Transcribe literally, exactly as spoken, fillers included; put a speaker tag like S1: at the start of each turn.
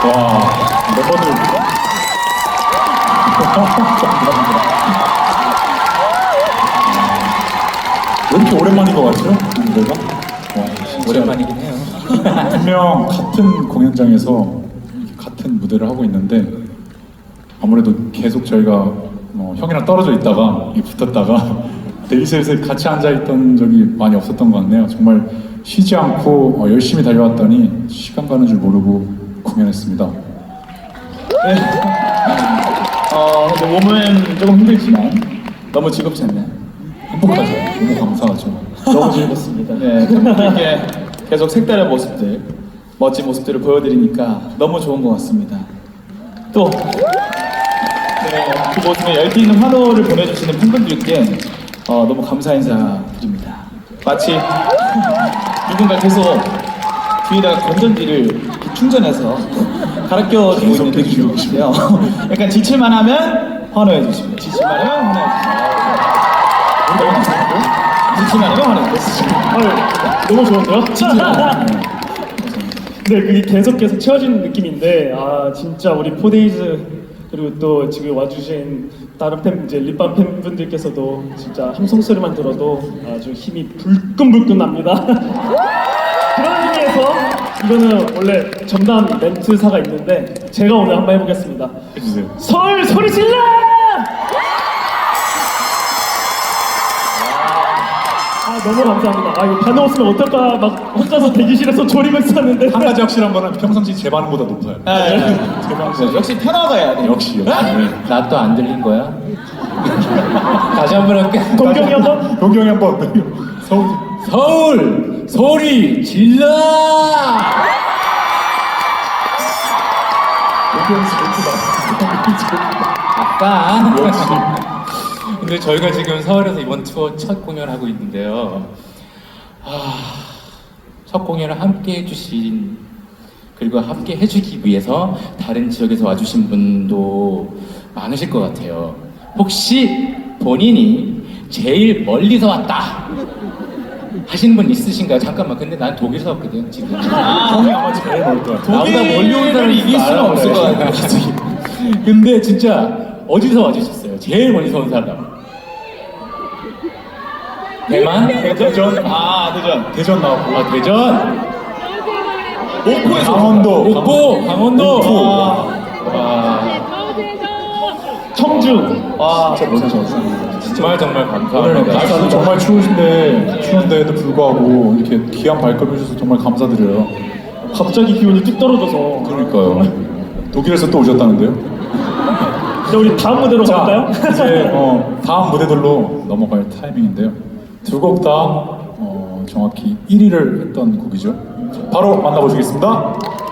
S1: 와, 멤버들. 왜 이렇게 오랜만인 것 같죠? 노래가? 와, 진짜
S2: 오랜만이긴 해요.
S1: 분명 같은 공연장에서 같은 무대를 하고 있는데 아무래도 계속 저희가 뭐 형이랑 떨어져 있다가 붙었다가 대기실에서 같이 앉아있던 적이 많이 없었던 것 같네요. 정말 쉬지 않고 어, 열심히 달려왔더니 시간 가는 줄 모르고 공연했습니다.
S3: 네. 어, 근데 몸은 조금 힘들지만 너무 즐겁지 않나요?
S1: 행복하죠. 너무 감사하죠.
S3: 너무 즐겁습니다. 네, 이렇게 계속 색다른 모습들, 멋진 모습들을 보여드리니까 너무 좋은 것 같습니다. 또, 네, 그 모습에 열띤 환호를 보내주시는 팬분들께 어, 너무 감사 인사드립니다. 마치 누군가 계속 뒤에다가 건전지를 이렇게 충전해서 갈아 껴주고 있는 느낌이신데요. 약간 지칠만 하면 환호해 주십니다. 지칠만 하면 환호해 주십니다. 너무 감사하고 지칠만 하면 환호해 주십니다.
S4: 너무 좋은데요? 네, 그게 계속 계속 채워지는 느낌인데, 아 진짜 우리 포데이즈 그리고 또 지금 와주신 다른 팬 이제 립밤 팬분들께서도 진짜 함성 소리만 들어도 아주 힘이 불끈불끈 납니다. 그런 의미에서 이거는 원래 전담 멘트사가 있는데 제가 오늘 한번 해보겠습니다.
S1: 해주세요.
S4: 서울 소리 질러! 아 너무 감사합니다. 아 이거 반응 없으면 어떨까 막 혼자서 대기실에서 조리고 있었는데
S1: 한 가지 확실한 거는 평상시 제 반응보다 높아요.
S3: 네.
S1: 제 반응
S3: 역시 편화가 해야 돼요.
S1: 역시 역시.
S2: 나 또 안 들린 거야? 다시 한 번 할게.
S4: 동경이 한번
S1: 동경이 한번 서울.
S2: 서울 소리 질러!
S1: 동경이 재밌다.
S2: 아까
S1: 역시.
S2: 근데 저희가 지금 서울에서 이번 투어 첫 공연을 하고 있는데요. 아, 첫 공연을 함께 해주신 그리고 함께 해주기 위해서 다른 지역에서 와주신 분도 많으실 것 같아요. 혹시 본인이 제일 멀리서 왔다 하시는 분 있으신가요? 잠깐만, 근데 난 독일에서 왔거든 지금.
S1: 형이 아마 제일 멀 거야.
S2: 나보다 멀리 온 사람이 이길 수는 없을 것 같아요. 근데 진짜 어디서 와주셨어요? 제일 멀리서 온 사람. 대만?
S1: 대전.
S3: 아, 대전.
S1: 대전 나왔고.
S2: 아, 대전?
S3: 목포에서
S1: 강원도.
S2: 목포, 강원도.
S1: 목포.
S2: 와. 와.
S4: 청주.
S3: 와,
S1: 진짜 멀리서 왔어요.
S2: 정말 정말
S1: 오늘
S2: 감사합니다.
S1: 날씨도 정말 추우신데 추운데도 불구하고 이렇게 귀한 발걸음 해주셔서 정말 감사드려요.
S4: 갑자기 기온이 뚝 떨어져서.
S1: 그러니까요. 독일에서 또 오셨다는데요?
S4: 이제 우리 다음 무대로 갈까요?
S1: 이제 어, 다음 무대들로 넘어갈 타이밍인데요. 두 곡 다 어, 정확히 일 위를 했던 곡이죠. 바로 만나보시겠습니다.